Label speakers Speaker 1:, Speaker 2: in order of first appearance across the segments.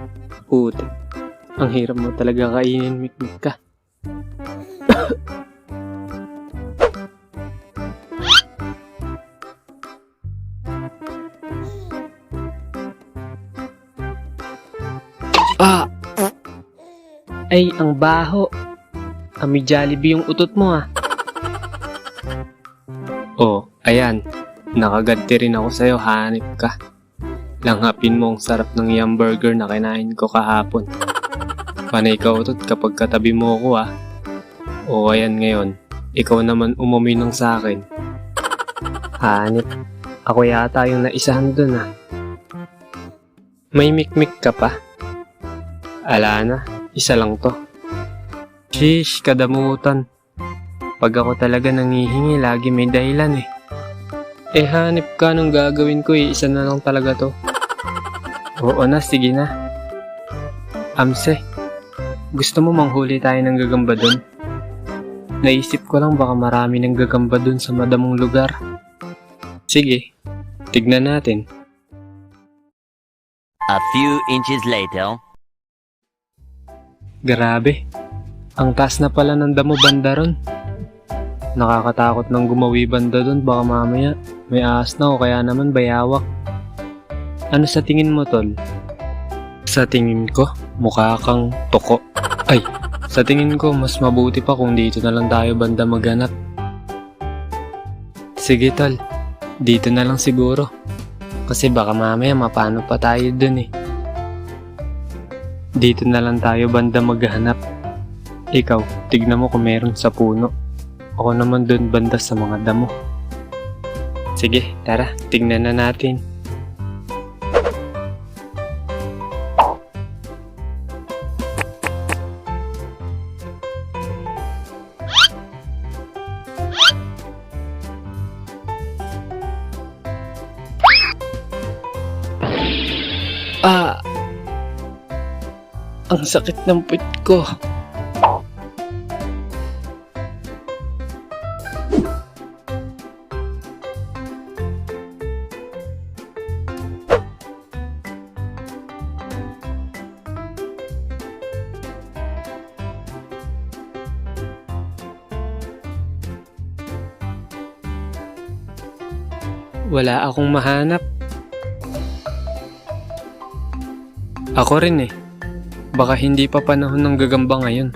Speaker 1: Puti. Ang hirap mo talaga kainin, Mikmik ka. Ah! Ay, ang baho. Ami Jollibee yung utot mo ah. Oh, ayan. Nakaganti rin ako sa'yo, hanip ka. Langhapin mo ang sarap ng yum burger na kinain ko kahapon. Panay ka utot kapag katabi mo ako ah. O ayan ngayon, ikaw naman umaminong sa akin. Hanip, ako yata yung naisahan dun ah. May mikmik ka pa? Ala na, isa lang to. Sheesh, kadamutan. Pag ako talaga nangihingi, lagi may dahilan eh. Eh hanip ka nung gagawin ko eh, isa na lang talaga to. Oo na, sige na. Amse, gusto mo manghuli tayo ng gagamba dun? Naisip ko lang baka marami ng gagamba dun sa madamong lugar. Sige, tignan natin.
Speaker 2: A few inches later.
Speaker 1: Grabe, ang taas na pala ng damo banda ron. Nakakatakot nang gumawi banda dun, baka mamaya may ahas na o kaya naman bayawak. Ano sa tingin mo, tol? Sa tingin ko, mukha kang toko. Ay, sa tingin ko mas mabuti pa kung dito na lang tayo banda maghanap. Sige tol, dito na lang siguro. Kasi baka mamaya mapano pa tayo dun eh. Dito na lang tayo banda maghanap. Ikaw, tignan mo kung meron sa puno. Ako naman dun banda sa mga damo. Sige, tara, tignan na natin. Ah! Ang sakit ng puwit ko. Wala akong mahanap. Ako rin eh. Baka hindi pa panahon ng gagamba ngayon.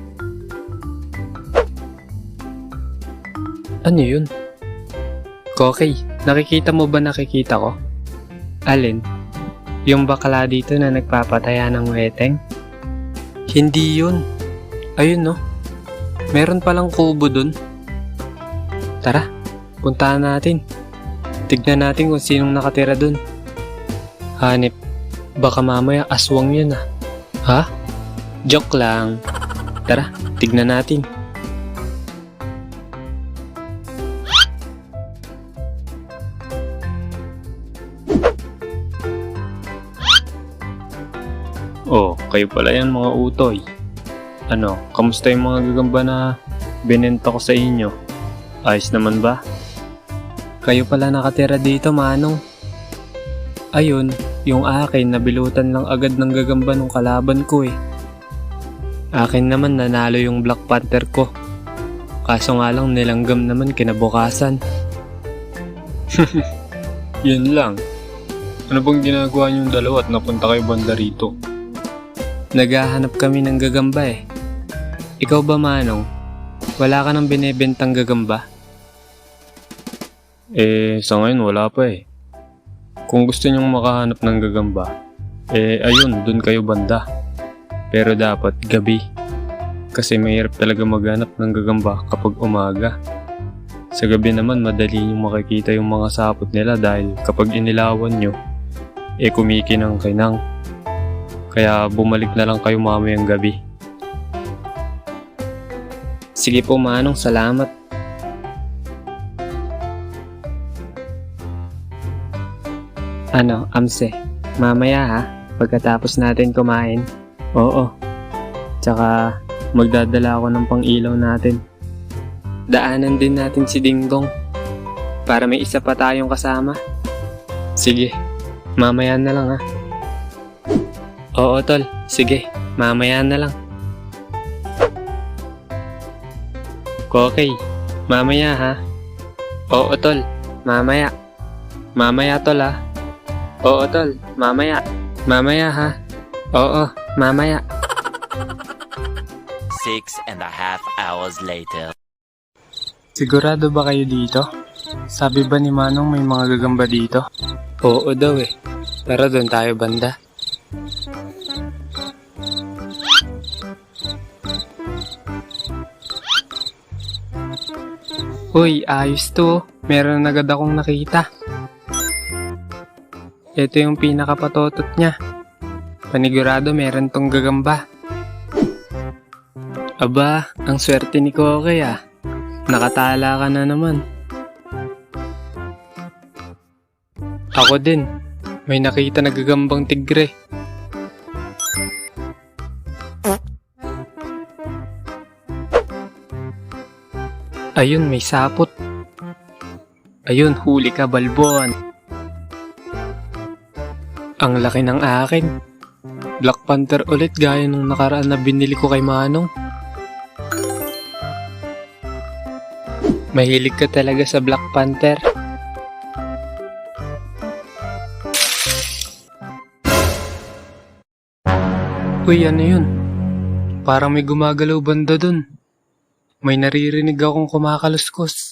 Speaker 1: Ano yun? Kokey, nakikita mo ba nakikita ko? Alin? Yung bakla dito na nagpapataya ng weteng? Hindi yun. Ayun no. Meron palang kubo dun. Tara, puntahan natin. Tignan natin kung sinong nakatira dun. Hanip, baka mamaya aswang yun ah. Ha? Joke lang. Tara, tignan natin. Oh, kayo pala yan mga utoy. Ano, kamusta yung mga gagamba na binenta ko sa inyo? Ayos naman ba? Kayo pala nakatira dito, manong. Ayun, yung akin nabilutan lang agad ng gagamba ng kalaban ko eh. Akin naman nanalo yung Black Panther ko. Kaso nga lang nilanggam naman kinabukasan. Yun lang. Ano bang ginagawa niyong dalawa at napunta kayo banda rito? Naghahanap kami ng gagamba eh. Ikaw ba, manong? Wala ka nang binebentang gagamba? Sa ngayon wala pa eh. Kung gusto nyong makahanap ng gagamba, ayun, dun kayo banda. Pero dapat gabi. Kasi mahirap talaga maghanap ng gagamba kapag umaga. Sa gabi naman, madali nyong makikita yung mga sapot nila dahil kapag inilawan nyo, kumikinang-kinang. Kaya bumalik na lang kayo mamayang gabi. Sige po manong, salamat. Ano, Amse, mamaya ha, pagkatapos natin kumain. Oo. Tsaka, magdadala ako ng pang-ilaw natin. Daanan din natin si Dingdong para may isa pa tayong kasama. Sige, mamaya na lang ha. Oo, tol. Sige, mamaya na lang. Okay, mamaya ha. Oo, tol. Mamaya. Mamaya, tol ha. Oo, tol. Mamaya. Mamaya ha. Oo, mamaya.
Speaker 2: 6.5 hours later.
Speaker 1: Sigurado ba kayo dito? Sabi ba ni Manong may mga gagamba dito? Oo daw eh. Pero doon tayo banda. Uy, ayos to. Meron na agad akong nakita. Ito yung pinakapatotot niya. Panigurado meron tong gagamba. Aba, ang swerte ni Koke ah. Nakatala ka na naman. Ako din. May nakita na gagambang tigre. Ayun, may sapot. Ayun, huli ka, balbon. Ang laki ng akin. Black Panther ulit gaya nung nakaraan na binili ko kay Manong. Mahilig ka talaga sa Black Panther. Uy, ano yun? Parang may gumagalaw banda dun. May naririnig akong kumakaluskos.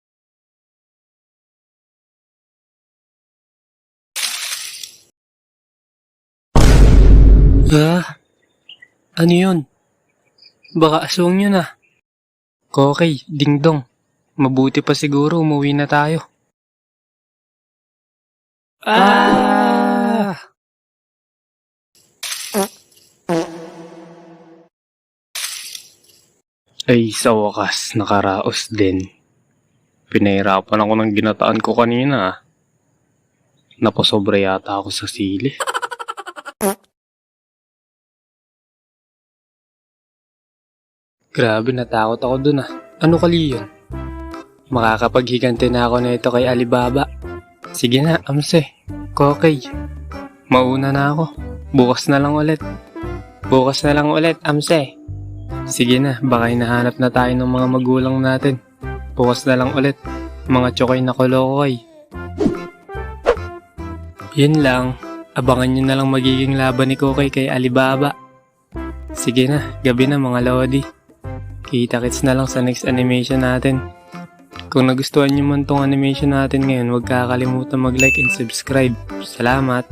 Speaker 1: Ah, ano yun? Baka aswang yun ah. Kokey, dingdong. Mabuti pa siguro umuwi na tayo. Ah! Ay, sa wakas, nakaraos din. Pinahirapan ako ng ginataan ko kanina. Napasobra yata ako sa sili. Grabe, natakot ako dun ah. Ano kali yun? Makakapaghiganti na ako na ito kay Alibaba. Sige na, Amse. Kokey. Mauna na ako. Bukas na lang ulit. Bukas na lang ulit, Amse. Sige na, baka hinahanap na tayo ng mga magulang natin. Bukas na lang ulit. Mga tsokoy na kolokoy. Yun lang. Abangan nyo na lang magiging laban ni Kokey kay Alibaba. Sige na, gabi na mga lodi. Kita-kits na lang sa next animation natin. Kung nagustuhan nyo man tong animation natin ngayon, huwag kakalimutan mag-like and subscribe. Salamat!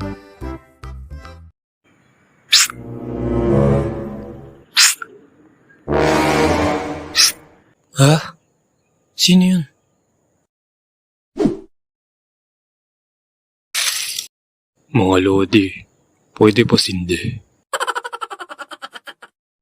Speaker 1: Ha? Sino yun? Mga lodi, pwede pa sindi.